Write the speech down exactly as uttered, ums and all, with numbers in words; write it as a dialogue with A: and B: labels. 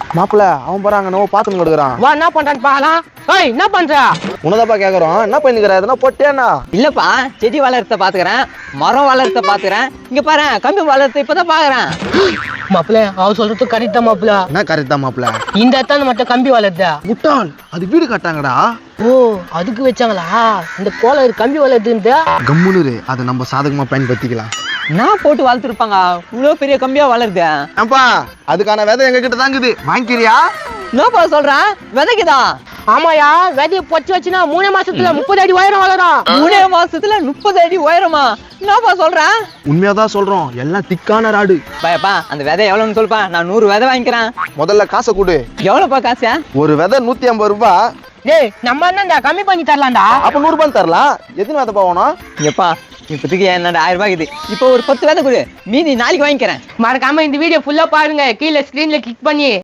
A: மாப்பிள்ள அவன் போறாங்க நோ பாத்துன்னு கொடுக்குறான்.
B: வா என்ன பண்றான்னு பாக்கலாம். ஏய் என்ன பண்ற?
A: உனதாப்பா கேக்குறோம். என்ன பண்ணிக்கிற? எதனா போட்டேன்னா?
C: இல்லப்பா, செடி வளர்த்த பாத்துக்கிறேன், மரம் வளர்த்த பாத்துக்கிறேன். இங்க பாரு, கம்பி வளர்த்த இப்பதான் பாக்குறேன்.
B: மாப்பிள்ள அவ சொல்றது கரெக்ட் தான் மாப்பிள்ள.
A: என்ன கரெக்ட் தான் மாப்பிள்ள?
B: இந்த இடத்தான மட்டும் கம்பி வளர்த்த
A: முட்டாள், அது வீடு கட்டாங்கடா.
B: ஓ அதுக்கு வச்சாங்களா? இந்த கோல கம்பி வளர்த்துட்டு
A: கம்முனு அதை நம்ம சாதகமா பயன்படுத்திக்கலாம்.
C: நான் போட்டு வளர்த்துருப்பாங்க, இவ்வளவு பெரிய கம்பியா வளருது.
A: ஏன்பா அதுக்கான விதை எங்க கிட்ட தாங்குது, வாங்கிக்கிறியா?
C: என்னப்பா சொல்றேன், விதைக்குதா?
B: ஆமாயா, விதைய பொச்சு வச்சுனா மூணே மாசத்துல முப்பது அடி உயரம் வளரும்.
C: மூணே மாசத்துல முப்பது அடி உயரமா? என்னப்பா சொல்றேன்?
A: உண்மையாதான் சொல்றோம், எல்லாம் திக்கான ராடு.
C: பாயப்பா அந்த விதை எவ்வளவுன்னு சொல்லுப்பா, நான் நூறு விதை வாங்கிக்கிறேன்.
A: முதல்ல காசை கொடு.
C: எவ்வளவுப்பா காசு?
A: ஒரு விதை நூத்தி ஐம்பது ரூபாய்.
B: டேய் நம்ம என்ன கம்மி பண்ணி தரலாம்டா.
A: அப்ப நூறு ரூபாய் தரலாம். எத்தனை விதை போகணும்?
C: எப்பா இப்போதைக்கு என்னோட ஆயிரம் ரூபாய் இது. இப்போ ஒரு பத்து விதை கொடு, மீதி நாளைக்கு வாங்கிக்கிறேன்.
B: மறக்காம இந்த வீடியோ ஃபுல்லா பாருங்க, கீழே ஸ்கிரீன்ல கிளிக் பண்ணி